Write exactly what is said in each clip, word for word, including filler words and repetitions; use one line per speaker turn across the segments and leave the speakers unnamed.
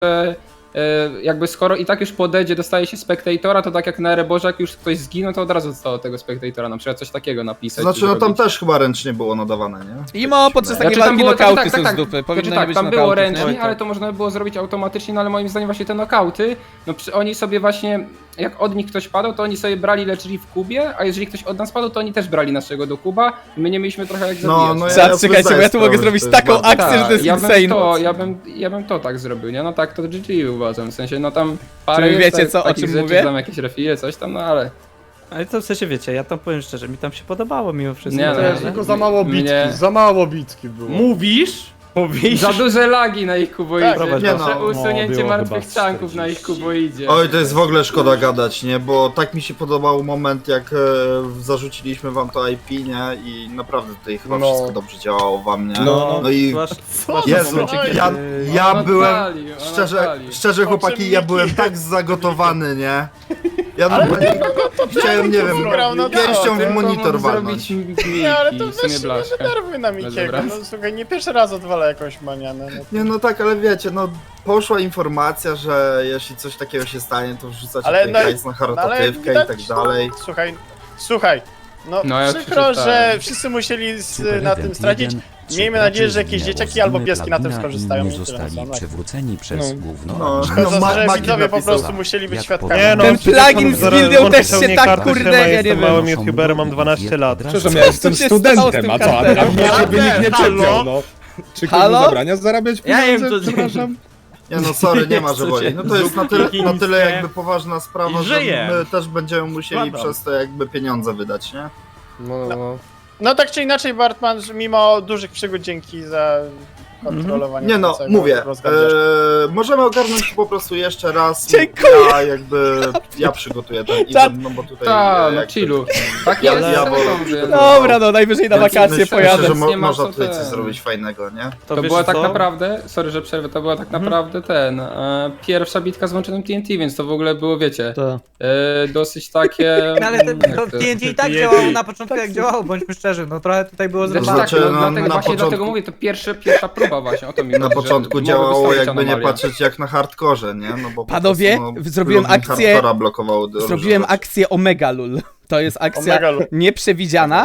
że jakby skoro i tak już podejdzie, dostaje się spektatora, to tak jak na Ereborze, jak już ktoś zginął, to od razu zostało tego spektatora, na przykład coś takiego napisać.
Znaczy, no tam też chyba ręcznie było nadawane, nie?
Imo podczas takiej
Znaczy, tam
walki
było-
nokauty
tak, tak,
są
tak,
z dupy,
Znaczy,
powinno nie
tak,
być
tam było
nokautów,
ręcznie,
nie?
ale to można by było zrobić automatycznie, no ale moim zdaniem właśnie te nokauty, no przy, oni sobie właśnie, jak od nich ktoś padał, to oni sobie brali leczyli w kubie, a jeżeli ktoś od nas padł, to oni też brali naszego do kuba i my nie mieliśmy trochę jak
No,
zabijać.
no ja-
Czad, czekajcie, bo ja tu mogę
sprawę,
zrobić
że to jest
taką
bardzo-
akcję, że to jest
ja bym
insane.
to, ja bym, ja bym to tak zrobił, nie? No tak, to G G uważam, w sensie, no tam parę
Czy wy
jest
wiecie,
tak-
co- o
takich
czym
rzeczy,
mówię?
tam jakieś refile, coś tam, no ale...
Ale to w sensie wiecie, ja tam powiem szczerze, mi tam się podobało mimo wszystko.
Nie,
To
no,
jest-
Tylko za mało bitki,
Mnie-
za mało bitki było.
Mówisz? Mówisz?
Za duże lagi na ich kuboidzie,
Tak,
nie
proszę,
no.
usunięcie
No, było
martwych
chyba
czanków na ich kuboidzie.
Oj, to jest w ogóle szkoda gadać, nie? Bo tak mi się podobał moment, jak e, zarzuciliśmy wam to I P, nie? I naprawdę tutaj chyba
No.
wszystko dobrze działało wam, nie?
No.
No i
Zwłasz-
Jezu,
momencie, kiedy-
ja, ja
On
byłem,
odpalił, on
szczerze,
odpalił.
szczerze chłopaki, ja byłem tak zagotowany, nie? Ja normalnie chciałem, nie wiem,
grał na
pięścią
to,
w monitor walnąć.
Nie, ale to
w sumie
weź,
blaszka.
nie denerwuj na Mikiego,
dobra.
no słuchaj, nie pierwszy raz odwala jakąś manianę. No.
Nie no tak, ale wiecie, no poszła informacja, że jeśli coś takiego się stanie, to wrzucacie
Ale
ten
no-
hajs na
No, ale
charytatywkę i
widać,
tak dalej.
No, słuchaj, słuchaj, no,
No, ja
przykro, że
przeczytałem.
wszyscy musieli z,
Super
na tym
Event
stracić.
jeden.
Miejmy
Trzy
nadzieję, że
graczy
jakieś
zginęło
dzieciaki
z
albo
Dymy
pieski na tym
Plagina,
skorzystają.
inni
i tyle,
zostali
no,
przywróceni przez
No.
główną
No,
armię.
no,
Szkoda,
ma-
że
Magi
widzowie po
napisał.
prostu musieli być
Jak
świadkami.
powiem-
Ten plugin z Gildią też się tak kurde, ja nie wiem.
Małymi youtuberem, mam dwanaście lat.
Przepraszam,
ja jestem studentem, a co, a
A mnie ciebie nikt nie czepiał, no. Czy ktoś
Halo?
mu zabrania zarabiać
Ja
pieniądze?
wiem, to-
Przepraszam.
Nie no sorry, nie ma, że woli. No to jest na tyle, na tyle jakby poważna sprawa,
I
że
żyje.
my też będziemy musieli
Składam.
przez to jakby pieniądze wydać, nie?
No, no. no tak czy inaczej, Bartman, że mimo dużych przygód, dzięki za kontrolowanie.
Nie no,
całego
mówię,
rozgardiaszka.
e, możemy ogarnąć to po prostu jeszcze raz.
Dziękuję.
Ja jakby, ja przygotuję ten
Czad-
event, no bo tutaj...
Ta,
e,
no
jakby-
chillu. Tak
Ja-
jest,
ja
ja
wolę-
mówię.
Dobra, no najwyżej na
Więc
wakacje
myślę,
pojadę.
że mo
Nie ma
można
co
tutaj
ten.
coś zrobić fajnego, nie?
To,
wiesz
była tak
co?
naprawdę, sorry, że przerwę, to była tak naprawdę ten, e, pierwsza bitka z łączonym T N T, więc to w ogóle było, wiecie,
To.
e, dosyć takie...
No, ale ten
jak
to
to-
T N T i tak działało na początku jak działało, bądźmy szczerzy, no trochę tutaj było
Znaczy,
zrywane.
tak,
Znaczy,
no,
no,
dlatego,
na
właśnie
początku-
dlatego mówię, to pierwsza, pierwsza próba właśnie, o to mi
Na
chodzi, że
początku
mogły
działało
wystąpić
jakby nie
anomalie.
patrzeć jak na hardkorze, nie? No bo po
Panowie,
prostu, no,
zrobiłem
plugin
akcję-
hardcora blokował różne
Zrobiłem
rzeczy.
akcję Omega Lul. To jest akcja
Omega Lul.
nieprzewidziana,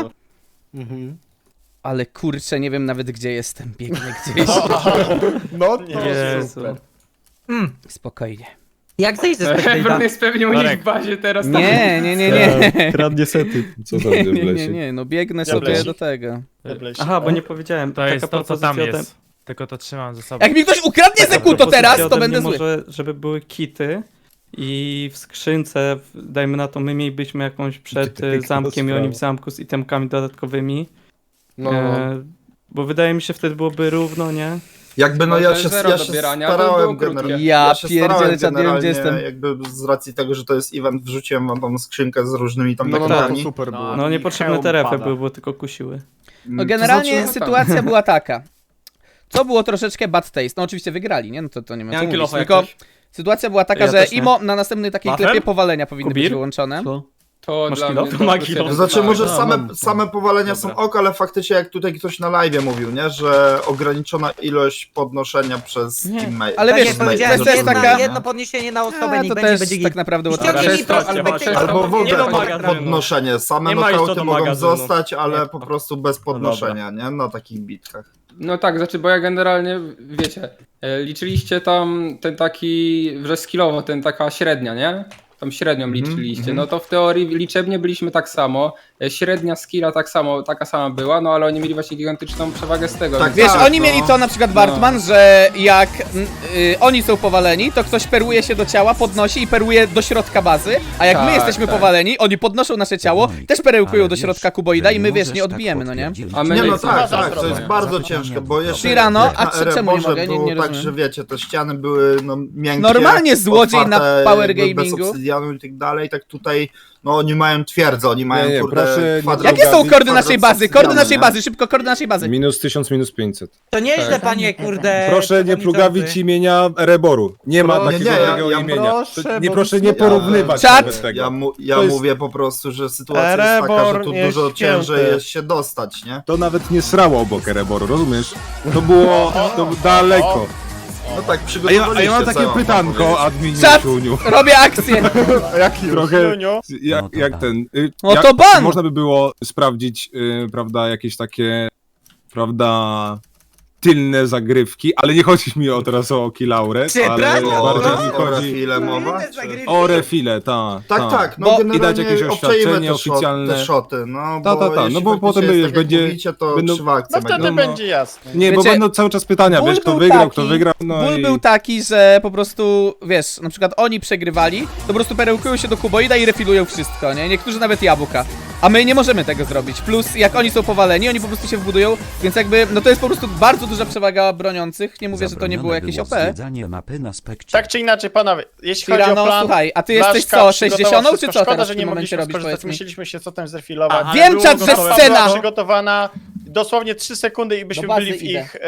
Mhm.
ale kurczę, nie wiem nawet gdzie jestem. Biegnę gdzieś.
No to
Jezu.
super.
Spokojnie.
Jak zejść ze
Ebron
Spectate'a?
jest pewnie u nich
Marek.
w bazie teraz.
Nie, nie, nie, nie.
Kradnie sety. Co tam
Nie,
w
nie, nie,
lesie?
nie, no biegnę
Ja
sobie
blesi.
do tego.
Aha, bo nie powiedziałem.
To
taka
jest to, co tam
propozycja ode-
jest. Tylko to trzymam ze sobą.
Jak mi ktoś ukradnie
taka
Zekuto
propozycja
teraz, to
ode
będę
mnie
zły.
Może, żeby były kity i w skrzynce, w- dajmy na to, my mielibyśmy jakąś przed e,
Piękna
zamkiem i oni w
sprawa.
zamku z itemkami dodatkowymi.
No,
E, bo wydaje mi się wtedy byłoby równo, nie?
Jakby no
No
ja
to
się,
jest zero
ja się
dobierania, bo było
starałem
krótkie.
generalnie.
Ja
się
pierdzielę,
starałem
czad, nie wiem, gdzie
generalnie,
jestem.
jakby z racji tego, że to jest event, wrzuciłem wam tam skrzynkę z różnymi tam
no, no, no to
takimi.
super było.
No
i
niepotrzebne
hełm
te refy
pada.
były, bo tylko kusiły.
No generalnie
To znaczy,
sytuacja była taka. Co było troszeczkę bad taste. No oczywiście wygrali, nie? No to, to nie ma co
Miałem
mówić.
kilofa jak
Tylko
coś.
sytuacja była taka,
Ja
że
też nie.
Imo na następnej takiej
Wafel?
klepie powalenia powinny być
Kubir?
wyłączone.
To
Masz
dla
kilo?
mnie
To
to
ma
plus
kilo.
jeden
To znaczy
tak.
może
No,
same,
mam.
same powalenia
Dobra.
są ok, ale faktycznie jak tutaj ktoś na live mówił, nie? Że ograniczona ilość podnoszenia przez
Nie.
teammate.
Ale
Tak
wiesz,
jak
to
powiedziałem,
jest
jedna,
taka-
jedno podniesienie na osobę,
A,
niech
to
będzie,
też
będzie
tak
git.
naprawdę
Ściągnij
łatwo.
mi
Przez
proszę,
to, albo
Spectate'a.
przez
Albo w
Nie
ogóle
do
pod,
magazynu.
podnoszenie. Same
Nie ma już co
nokauty
do
mogą
magazynu.
zostać, ale
Nie.
po prostu bez podnoszenia, nie? Na takich bitkach.
No tak, znaczy, bo ja generalnie, wiecie, e, liczyliście tam ten taki, że skillowo, ten taka średnia, nie? Tam średnią liczyliście, no to w teorii liczebnie byliśmy tak samo, e, średnia skilla tak samo, taka sama była, no ale oni mieli właśnie gigantyczną przewagę z tego.
Tak,
więc-
Wiesz,
tak,
oni
no.
mieli to na przykład Bartman, że jak mm, y, oni są powaleni, to ktoś perłuje się do ciała, podnosi i perłuje do środka bazy, a jak my
Tak,
jesteśmy
tak.
powaleni, oni podnoszą nasze ciało, też perełkują
Ale
do
wiesz,
środka kuboida i my,
że
wiesz, nie
możesz tak
odbijemy, no nie?
potwierdzić.
A my
Nie
nie
no
chcemy.
tak,
Zapytania.
tak, to jest bardzo
Zapytania.
ciężkie, bo jeszcze
Shirano,
jak
a
na
czy- czemu nie
Ereborze
mogę? Nie-
było
nie
tak,
rozumiem.
że wiecie, te ściany były no miękkie,
Normalnie złodziej na
otwarte,
power
jakby
gamingu.
bez obsydianu i tak dalej, tak tutaj, no oni mają twierdzę, oni mają
Nie, nie,
kurde
proszę nie-
kwadrat-
Jakie są kordy
kwadrat
naszej bazy?
obsydianu,
Kordy naszej
nie?
bazy, szybko, kordy naszej bazy.
Minus tysiąc, minus pięćset.
To nieźle,
Tak.
panie, kurde.
Proszę nie
przewodniczący.
plugawić imienia Reboru. Nie ma
Proszę,
takiego
nie, ja-
drugiego
ja
imienia.
proszę,
To nie
bo
proszę
to
nie
jest-
porównywać
Czad!
nawet tego.
Ja, mu, ja
To jest-
mówię po prostu, że sytuacja jest taka, że
Erebor
tu
nie
dużo
ścięty.
ciężej jest się dostać, nie?
To nawet nie srało obok Reboru, rozumiesz? To było to daleko.
No tak,
A ja,
przygotowaliście
a ja mam
co
takie
wam
pytanko,
powiedzieć.
adminie
Czad!
Ciuniu.
Robię akcję!
Trochę,
Juniu.
jak,
No to
jak
ban.
ten... y,
No
jak
to ban!
Można by było sprawdzić, y, prawda, jakieś takie, prawda, tylne zagrywki, ale nie chodzi mi o teraz o Kilauret, ale
Przepraszam,
O,
bardziej
o,
mi
o
chodzi
refile mowa?
Inne
Czy...
zagrywki.
o refile, ta,
Tak,
ta.
tak, no
Bo-
generalnie
i dać jakieś
obczajmy
oświadczenie
te shot-
oficjalne.
Te szoty, no
Ta,
bo
ta, ta,
jeśli
no bo
faktycznie
potem
jest
wiesz,
tak, jak
będzie-
mówicie, to
będą-
krzywa akcja
No wtedy
będzie.
no.
będzie jasne.
Nie, bo
Wiecie,
będą cały czas pytania,
ból
wiesz, kto
był
wygrał,
taki-
kto wygrał, no
Ból
i...
był taki, że po prostu, wiesz, na przykład oni przegrywali, to po prostu perełkują się do kuboida i refilują wszystko, nie? Niektórzy nawet jabłka. A my nie możemy tego zrobić. Plus, jak oni są powaleni, oni po prostu się wbudują, więc jakby, no to jest po prostu bardzo duża przewaga broniących. Nie mówię, że to nie było jakieś O P.
Zwiedzanie mapy na spekcie.
Tak czy inaczej, panowie, jeśli chodzi o
Tirano,
plan...
słuchaj, a ty
Blaszka
jesteś co,
przygotował
sześćdziesiątą czy
wszystko.
co
Szkoda,
teraz
że
w
nie
tym momencie
mogliśmy
robisz,
skorzystać,
powiedz mi?
musieliśmy się co tym zrefilować.
Aha.
Wiem,
było
czat, że
gotowe.
scena!
Była przygotowana dosłownie trzy sekundy i byśmy
Do bazy
byli w
idę.
ich, e,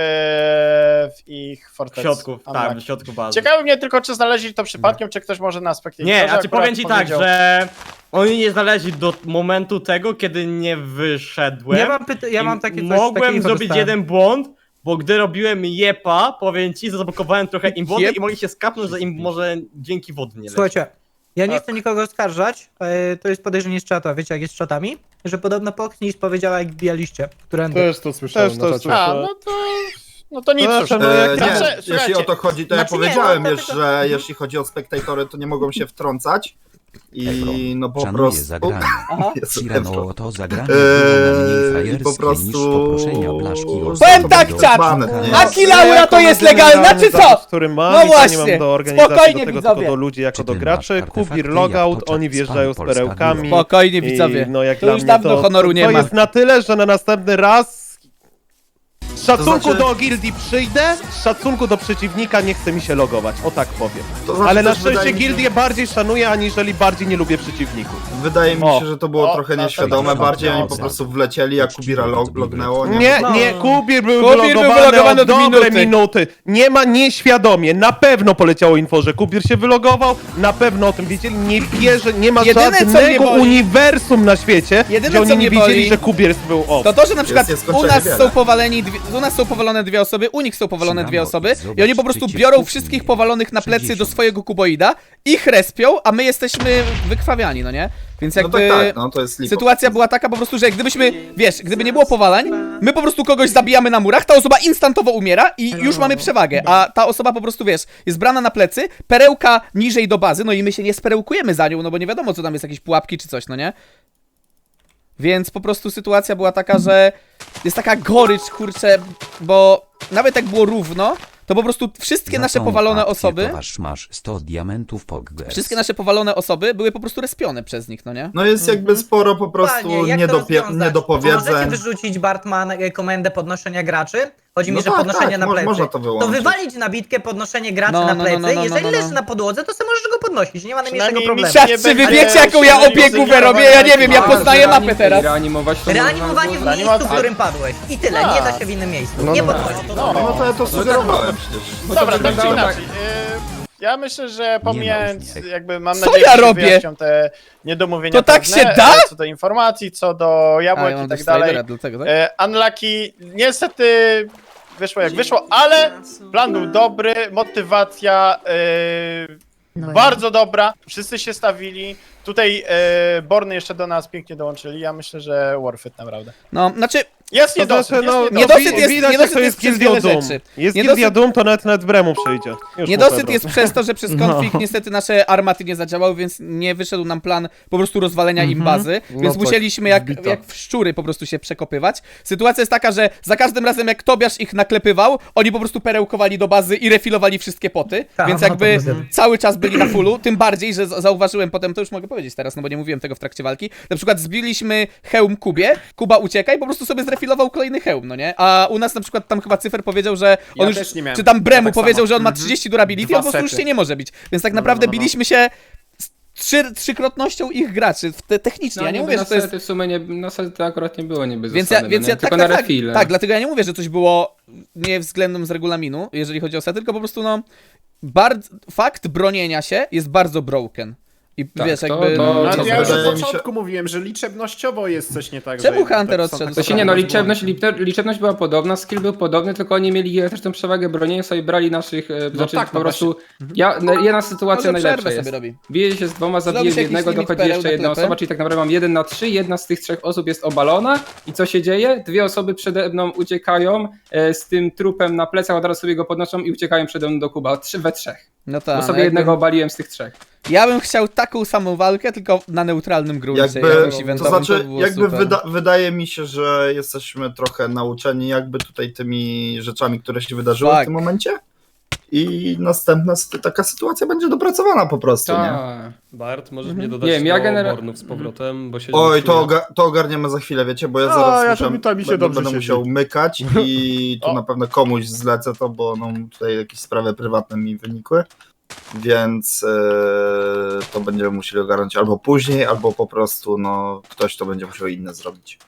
w ich
W
fortecy.
środku, tak,
Unlucky.
w środku bazy.
Ciekawi mnie tylko, czy znaleźli to przypadkiem, czy ktoś może na aspekcie.
Nie, a czy powiem ci tak, że oni nie znaleźli do momentu tego, kiedy nie wyszedłem.
Ja mam, pyta- ja
i
mam takie coś,
mogłem
takie info
zrobić
dostałem.
jeden błąd, bo gdy robiłem jepa, powiem ci, zablokowałem trochę im wody
Jep.
i mogli się skapnąć, że im może dzięki wody nie leci.
Słuchajcie, ja nie
Tak.
chcę nikogo oskarżać, e, to jest podejrzenie z czata, wiecie jak jest z czatami? Że podobno Pokniś powiedziała jak bijaliście, którędy.
Też to słyszałem
Też to A, no to... No to nic
No,
już.
to
E,
Znaczy,
nie, jeśli
słuchajcie,
o to chodzi, to
Znaczy
ja
nie,
powiedziałem
no,
już,
dlatego-
że jeśli chodzi o spektatory, to nie mogą się wtrącać. I no po
Szanuję
prostu...
zagranie.
Aha.
Jezu,
Tirano to zagranie
Eee,
było mniej
i
frajerskie
po
niż
prostu-
poproszenia Blaszki o
Powiem tak,
zabranie
czat!
Banet, nie?
A Kilaura to jest legalna, czy co?
który mam
No
i to nie
właśnie,
mam do organizacji,
spokojnie,
do tego
widzowie.
tylko do ludzi jako
Czy
do
ty
graczy.
masz artefakty
Kubir
jak
logout,
to
oni
czat
wjeżdżają z
spam Polska
perełkami.
Biuro?
Spokojnie,
I,
widzowie.
no jak
To
dla
już
mnie
dawno
to,
honoru
to,
nie
to
ma.
jest na tyle, że na następny raz z szacunku
znaczy-
do gildii przyjdę, z szacunku do przeciwnika nie chce mi się logować, o tak powiem.
To znaczy
Ale na
też wydaje
szczęście
mi się-
gildię bardziej szanuję, aniżeli bardziej nie lubię przeciwników.
Wydaje mi
O.
się, że to było
O,
trochę
na
nieświadome,
pewno.
bardziej oni po
Dobrze.
prostu wlecieli, jak Kubira log lognęło.
Nie,
No.
nie, Kubir był
Kubir był
wylogowany
wylogowany
od
od
dobre
minuty.
minuty. Nie ma nieświadomie, na pewno poleciało info, że Kubir się wylogował, na pewno o tym wiedzieli, nie bierze, nie ma
Jedyne, co mnie
żadnego
boli-
uniwersum na świecie,
Jedyne,
gdzie
co
oni
mnie
nie wiedzieli,
boli-
że Kubir był off.
To to, że na przykład
jest
u
nieskończenie
nas
wiele.
są powaleni dwie, u nas są powalone dwie osoby, u nich są powalone dwie osoby i oni po prostu biorą wszystkich powalonych na plecy do swojego kuboida, ich respią, a my jesteśmy wykrwawiani, no nie? Więc
No
jakby
tak, tak, no to jest lipo.
sytuacja była taka po prostu, że gdybyśmy, wiesz, gdyby nie było powalań, my po prostu kogoś zabijamy na murach, ta osoba instantowo umiera i już mamy przewagę, a ta osoba po prostu, wiesz, jest brana na plecy, perełka niżej do bazy, no i my się nie sperełkujemy za nią, no bo nie wiadomo, co tam jest, jakieś pułapki czy coś, no nie? Więc po prostu sytuacja była taka, że jest taka gorycz, kurczę, bo nawet jak było równo, to po prostu wszystkie
Za
nasze
tą
powalone
akcję
osoby,
towarz masz sto diamentów Pogges.
wszystkie nasze powalone osoby były po prostu respione przez nich, no nie?
No jest jakby sporo po prostu
Dokładnie, jak to
niedopie-
rozwiązać? Możecie
niedopowiedzeń.
wyrzucić, Bartman, e, komendę podnoszenia graczy? Chodzi mi,
No
że
tak,
podnoszenie
tak,
na
mo-
plecy.
można to wyłączyć.
wywalić na bitkę podnoszenie graczy
No,
na
no, no,
plecy.
no, no, no,
Jeżeli
no, no.
leży na podłodze, to sobie możesz go podnosić, nie ma najmniejszego
Przynajmniej
problemu.
mi
Czat,
nie
czy wy
będzie
wiecie, jaką ja
się
opiekówę robię? Ja nie wiem, ja
Tak,
poznaję
reanim-
mapę teraz.
Reanimować to
Reanimowanie w
można
miejscu,
Reanimacja-
w którym padłeś. I tyle, nie da się w innym miejscu.
No,
nie
no.
podnosić.
No to ja to sugerowałem przecież.
Dobra, tak czy
wyglądało
inaczej. y, Ja myślę, że pomijając,
różnicy.
jakby mam
Co
nadzieję,
ja
że
robię?
wyjaśnią te niedomówienia
To tak
pewne,
się da?
e, co do informacji, co do
A,
jabłek
ja mam
i tak
też
dalej.
slidera, dlatego, tak?
E, Unlucky niestety wyszło jak wyszło, ale plan był dobry, motywacja e, bardzo dobra, wszyscy się stawili. Tutaj e, Borny jeszcze do nas pięknie dołączyli, ja myślę, że worth it naprawdę.
No, znaczy,
Jest
To
niedosyt,
znaczy,
jest
no,
niedosyt.
Niedosyt
wi-
jest-
widać,
niedosyt
jak to
jest
jest
przez
gildią
wiele
Doom.
rzeczy.
Jest
Niedosyt-
gildia Doom, to nawet nawet Bremu przyjdzie. Już
Niedosyt
mu
jest
Pedro.
przez to, że przez konflikt niestety nasze armaty nie zadziałały, więc nie wyszedł nam plan po prostu rozwalenia im bazy, więc
tak,
musieliśmy jak,
zbito.
jak w szczury po prostu się przekopywać. Sytuacja jest taka, że za każdym razem jak Tobiasz ich naklepywał, oni po prostu perełkowali do bazy i refilowali wszystkie poty,
Tak,
więc
no to
jakby
rozumiem.
cały czas byli na fullu, tym bardziej, że za- zauważyłem potem, to już mogę powiedzieć teraz, no bo nie mówiłem tego w trakcie walki, na przykład zbiliśmy hełm Kubie, Kuba ucieka i po prostu sobie zrefilował kolejny hełm, no nie? A u nas na przykład tam chyba Cyfer powiedział, że on
Ja
już,
też nie miałem.
czy tam Bremu
Ja tak
powiedział,
samo.
że on ma
Mhm.
trzydzieści durability,
Dwa
on po prostu już
sety.
się nie może bić. Więc tak
No,
naprawdę
no, no, no.
biliśmy się z trzy, trzykrotnością ich graczy, w te, technicznie, ja nie mówię,
na
że to jest...
sety w sumie nie, na sety akurat nie było niby
Więc
zasady,
ja, więc
no nie?
ja tak,
tylko
tak,
na
tak,
refile.
tak, dlatego ja nie mówię, że coś było nie względem z regulaminu, jeżeli chodzi o sety, tylko po prostu no, bardzo, fakt bronienia się jest bardzo broken. I
Tak,
wiesz,
to-
jakby...
to-
no,
to-
Ja już
wydaje
od
mi się-
początku mówiłem, że liczebnościowo jest coś nie tak.
Czemu
że
Hunter
tak są
odszedł?
To
takie
się nie, no
same
liczebność,
błędy.
liczebność, liczebność była podobna, skill był podobny, tylko oni mieli też tą przewagę broni, sobie brali naszych, e, znaczy
tak,
po
no
prostu, ja, na- jedna sytuacja
Może
najlepsza
przerwę
jest.
sobie robi.
Biję się z dwoma,
Zrobi
zabiję
się jakiś
jednego,
limit
dochodzi
pereł
jeszcze
na
jedna
klepę?
osoba, czyli tak naprawdę mam jeden na trzy, jedna z tych trzech osób jest obalona i co się dzieje? Dwie osoby przede mną uciekają e, z tym trupem na plecach, od razu sobie go podnoszą i uciekają przede mną do kuba, trzy we trzech,
No tak,
bo
no
sobie
jakby-
jednego obaliłem z tych trzech.
Ja bym chciał taką samą walkę, tylko na neutralnym gruncie.
Jakby,
jakimś
to
eventowym,
znaczy,
by było
jakby
super.
wyda wydaje mi się, że jesteśmy trochę nauczeni jakby tutaj tymi rzeczami, które się wydarzyły
Tak.
w tym momencie. I następna sy- taka sytuacja będzie dopracowana po prostu, nie?
Tak.
Bart, możesz
Mhm.
mnie dodać
Nie wiem, ja
do
genera-
Bornów z powrotem, bo się
Oj,
nie
to,
czuję.
oga to ogarniemy za chwilę, wiecie, bo ja
A,
zaraz
ja
muszę,
to mi- to mi się
będę,
dobrze
będę
siedzi.
musiał mykać i tu
O.
na pewno komuś zlecę to, bo no, tutaj jakieś sprawy prywatne mi wynikły, więc e, to będziemy musieli ogarnąć albo później, albo po prostu no, ktoś to będzie musiał inne zrobić.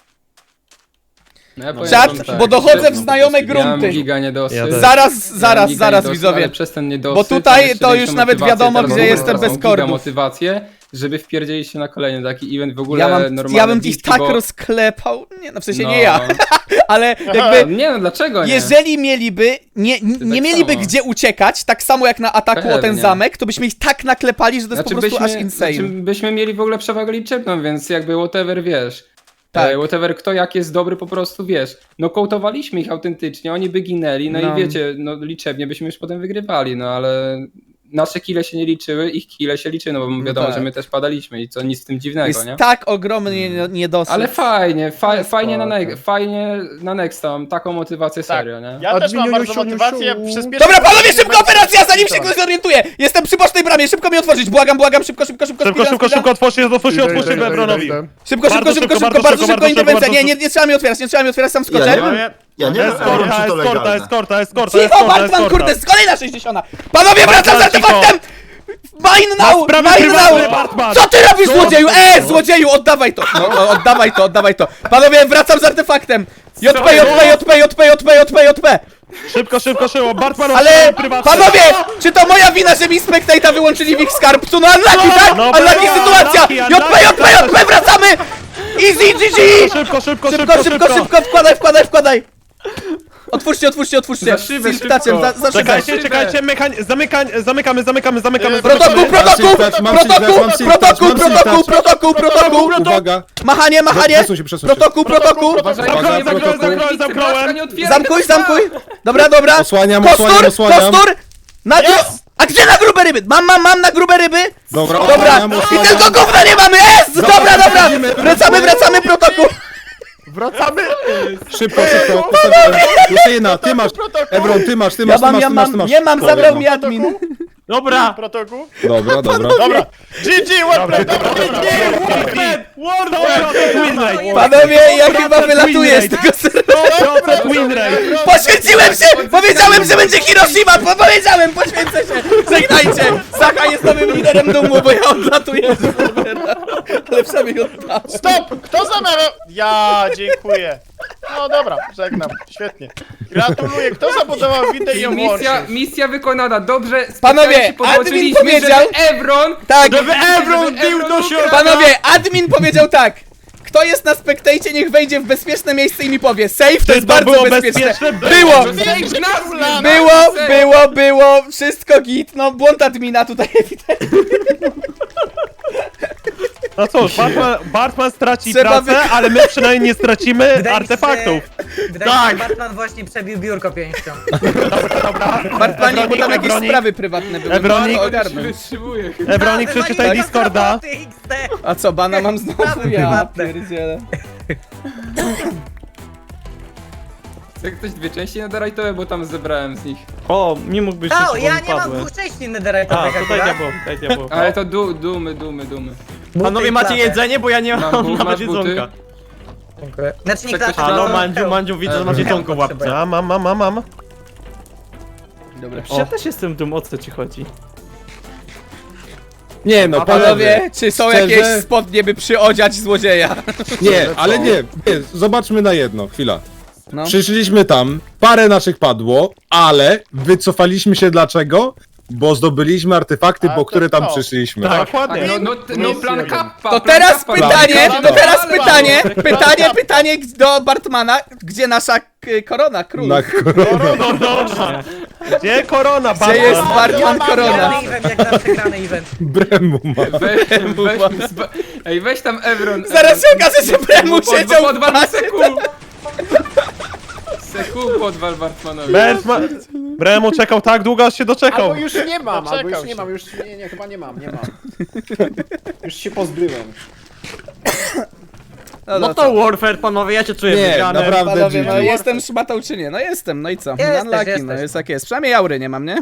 No ja powiem
Czat,
wam tak,
bo dochodzę w
że-
znajome
Miałem
grunty.
giga niedosyt.
Ja też.
Zaraz,
Miałem
zaraz,
giga
zaraz
niedosyt,
widzowie.
ale przez ten niedosyt,
Bo tutaj
mam jeszcze
to już
większą
nawet
motywację
wiadomo,
teraz,
gdzie
bo
jestem
mam
bez
giga
kordów.
motywację, żeby wpierdzielić się na kolejny taki event w ogóle
Ja, mam,
normalny.
ja bym ich
bliski,
tak
bo...
rozklepał. Nie, no w sensie
no.
nie ja, ale jakby.
Nie no, dlaczego nie?
Jeżeli mieliby, nie, nie, nie
tak
mieliby
samo.
gdzie uciekać, tak samo jak na ataku o ten
Pewnie.
zamek, to byśmy ich tak naklepali, że to jest po prostu aż insane.
Znaczy byśmy mieli w ogóle przewagę liczebną, więc jakby whatever wiesz.
Tak.
Tak. Whatever kto jak jest dobry po prostu wiesz. No kołtowaliśmy ich autentycznie, oni by ginęli, no,
No.
i wiecie, no liczebnie byśmy już potem wygrywali, no ale nasze kile się nie liczyły, ich kile się liczyły, no bo wiadomo,
tak.
że my też padaliśmy i co nic w tym dziwnego,
Jest
nie?
tak ogromny nie- niedosyt.
Ale fajnie, fa
jest
fajnie, na
spoko.
ne fajnie na Nexta mam taką motywację
Tak.
serio, nie?
Ja też mam
Adminiu,
bardzo
siu, siu,
motywację,
siu.
przyspieszyć...
Dobra, panowie, szybko operacja, zanim się ktoś zorientuje! Jestem przy bocznej bramie, szybko mi otworzyć, błagam, błagam, szybko, szybko, szybko,
Szybko,
speedrun,
szybko,
speedrun.
szybko, otwórzcie, otwórzcie,
Idę,
otwórzcie
idę, idę,
Ebronowi.
idę.
Szybko, szybko,
Bardzo
szybko,
szybko,
szybko,
bardzo
bardzo
szybko,
szybko
bardzo
interwencja,
szybko,
nie, nie, nie trzeba mi otwierać, nie trzeba mi otwierać, sam
Ja
skoczę.
nie, ja nie wiem, Aaron, czy to
Eskorta, eskorta,
legalne.
eskorta, eskorta,
Cicho,
eskorta,
Bartman,
eskorta.
kurde, z kolejna sześćdziesiąta! Panowie, wracam z
Bartman, cicho.
artefaktem! Mine
Na
now,
sprawy
mine
prywatne,
now!
Bartman!
Co ty robisz, złodzieju? E, złodzieju, oddawaj to! No, no, oddawaj to, oddawaj to. Panowie, wracam z artefaktem! J P, J P, J P, J P, J P, J P, J P!
Szybko, szybko, szybko, Bartman,
Ale,
sprawy prywatne.
panowie, czy to moja wina, że mi Spectate'a wyłączyli w ich skarbcu? No unlucky, tak?
No,
Unlucky
no,
sytuacja!
unlucky,
J P, J P, J P, wracamy! Easy, G G!
Szybko, szybko,
Szybko, szybko, szybko, wkładaj, wkładaj, wkładaj! Otwórzcie, otwórzcie, otwórzcie!
Za szybę,
Z ptaczem,
szybko.
za, za szybę!
Czekajcie, czekajcie, mechań... Zamykań... zamykamy, zamykamy, zamykamy.
Protokół,
zamykamy.
protokół,
Mam siltacz,
protokół,
mam siltacz,
protokół,
mam siltacz.
protokół, protokół, protokół!
Uwaga!
Machanie, machanie!
Przesuń się, przesuń się.
Protokół, protokół!
Uważajcie,
Uwaga,
nie zamknąłem,
protokół.
zamknąłem,
Zamknąłem.
nie otwieraj
Zamkuj,
tego
zamkuj! Dobra, dobra!
Osłaniam,
Kostur,
osłaniam, osłaniam.
kostur! Na gru... A gdzie na grube ryby? Mam, mam, mam na grube ryby!
Dobra,
Dobra!
osłaniam,
I
osłaniam.
tylko gówna nie mamy! Es! Dobra, dobra! Wracamy, wracamy, protokół!
Wracamy!
Szybko, szybko, postawiłem. Jeszcze jedna, ty masz, Ebron, ty masz, ty
Ja
masz, ty
mam,
masz,
ja
ty masz, ty
mam,
masz.
nie mam,
To
zabrał
jedno.
mi admin.
Dobra.
Protokół?
Dobra, dobra.
Dobra. G G, łapę, dobra, dobra.
World of win rate.
Panowie, ja chyba wylatuję z tego serwera.
sto procent win rate.
Poświęciłem się! Powiedziałem, że będzie Hiroshima! Po powiedziałem, poświęcę się! Żegnajcie! Sacha jest nowym liderem dumu, bo ja odlatuję z serwera. Ale przynajmniej oddałem.
Stop! Kto zamawiał? Ja, dziękuję. No dobra, żegnam. Świetnie. Gratuluję. Kto zabudował windę i ją
Misja,
włączył?
misja wykonana, dobrze.
Panowie,
specjalnie się
admin
podłączyliśmy,
powiedział-
żeby Evron...
Tak,
żeby Evron bił do środka.
panowie, admin powiedział tak. Kto jest na Spectacie, niech wejdzie w bezpieczne miejsce i mi powie. Safe to
Czy
jest
to
bardzo
było
bezpieczne.
bezpieczne?
Było!
Save nas,
Było, było, było, wszystko git, no błąd admina tutaj ewidentnie.
No cóż, Bartman, Bartman straci
Trzeba
pracę,
wy-
ale my przynajmniej nie stracimy artefaktów.
Wydaje mi się, że Batman właśnie przebił biurko pięścią.
Bartmanie, bo tam
Ebronik,
jakieś
Ebronik.
sprawy prywatne były.
Ebronik.
No, ogarnąć.
Wytrzymuję.
Ebronik, przeczytaj Discorda.
A co, bana mam znowu?
Sprawy
Ja
prywatne.
pierdzielę.
Chce ktoś dwie części netherite'owe, bo tam zebrałem z nich.
O, mi mógłbyś
O,
się
ja
mi
nie mam
padły.
dwóch części
A,
netherite'owych
tutaj
akurat.
diabło, tutaj diabło.
Ale to du dumy, dumy, dumy.
Panowie, macie jedzenie, bo ja nie
Mam
mam
bu-
nawet
masz buty?
jedzonka.
Dziękuję. Znaczy nie
Chce ktoś
klasa.
A no,
Klasa?
Mandziu, Mandziu, widzę, że masz jedzonko w łapce.
A, mam, mam, mam, mam.
Dobra.
Przecież ja też jestem dum, o co ci chodzi?
Nie no, panowie.
Panowie, czy są
Szczerze?
jakieś spodnie, by przyodziać złodzieja?
Nie, ale nie, nie, zobaczmy na jedno, chwila.
No.
Przyszliśmy tam, parę naszych padło, ale wycofaliśmy się dlaczego? Bo zdobyliśmy artefakty,
A,
po
to
które tam
co?
przyszliśmy.
Tak, dokładnie.
No, no, no plan kappa.
To
plan
teraz
kappa.
pytanie,
Plan
to teraz
kappa.
pytanie,
Plan
pytanie,
kappa.
pytanie do Bartmana, gdzie nasza k- korona, król?
Na koronę.
No dobrze. Gdzie korona,
Gdzie
Batman?
jest Bartman korona?
Grany event, jak zawsze grany event.
Bremu ma.
We, weź, zba- ej, weź tam Evron.
Zaraz się okaże, że Bremu
Pod-
siedział w
Podwal
bazie.
Seku. Seku podwal Bartmanowi.
Bez ma... Bremu czekał tak długo, aż się doczekał.
Albo już nie mam, albo
Doczekał
już
się.
nie mam, już nie, nie, chyba nie mam, nie mam. Już się pozbyłem.
No,
No
no
to
to,
Warfare, panowie, ja się czuję
Nie,
wygrany.
naprawdę
panowie, no
G G.
jestem szmatą czy nie? No jestem, no i co?
Jesteś,
Unlucky,
jesteś.
no jest jak jest. Przynajmniej aury nie mam, nie?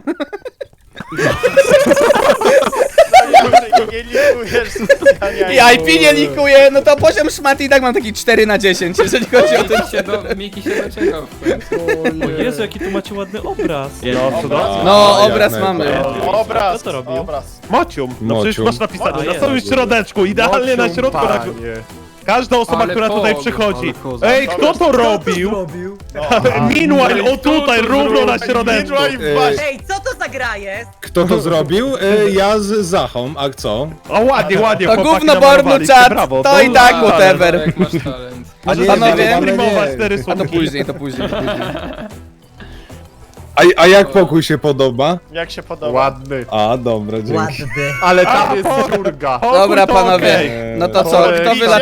Nie likujesz specjalnie.
I I P nie likuje, no to poziom szmaty i tak mam taki cztery na dziesięć, jeżeli chodzi o ten...
Miki się, do, Miki się doczekał w końcu.
O Jezu, jaki tu macie ładny obraz.
No, cudownie.
No,
jak
obraz
najbardziej.
mamy.
Obraz,
Kto to robił?
obraz.
Mocium. No przecież
Mocium.
masz napisane,
A,
na
jest.
samym środeczku, idealnie na środku. Na... Każda osoba,
Ale
która
pog,
tutaj przychodzi.
ale koza.
Ej, kto to robił? Meanwhile, o tutaj, równo na środeczku.
Midway w bazie.
Ej, co to za gra jest?
Kto to zrobił? E, Ja z Zachą, a co?
O, ładnie, ładnie,
To
chłopaki
gówno bornu
namalowaliście,
czat,
brawo.
to i tak
Ale
whatever.
Jak masz talent.
A nie,
Panowie,
ale
Streamować
nie.
te
A to
rysunki.
później, to później. To później.
A, a jak pokój się podoba?
Jak się podoba?
Ładny.
A, dobra, dzięki.
Ładny.
Ale tam jest dziurga.
Dobra,
to
panowie,
okej.
no to co, kto
Idzie
wylatuje?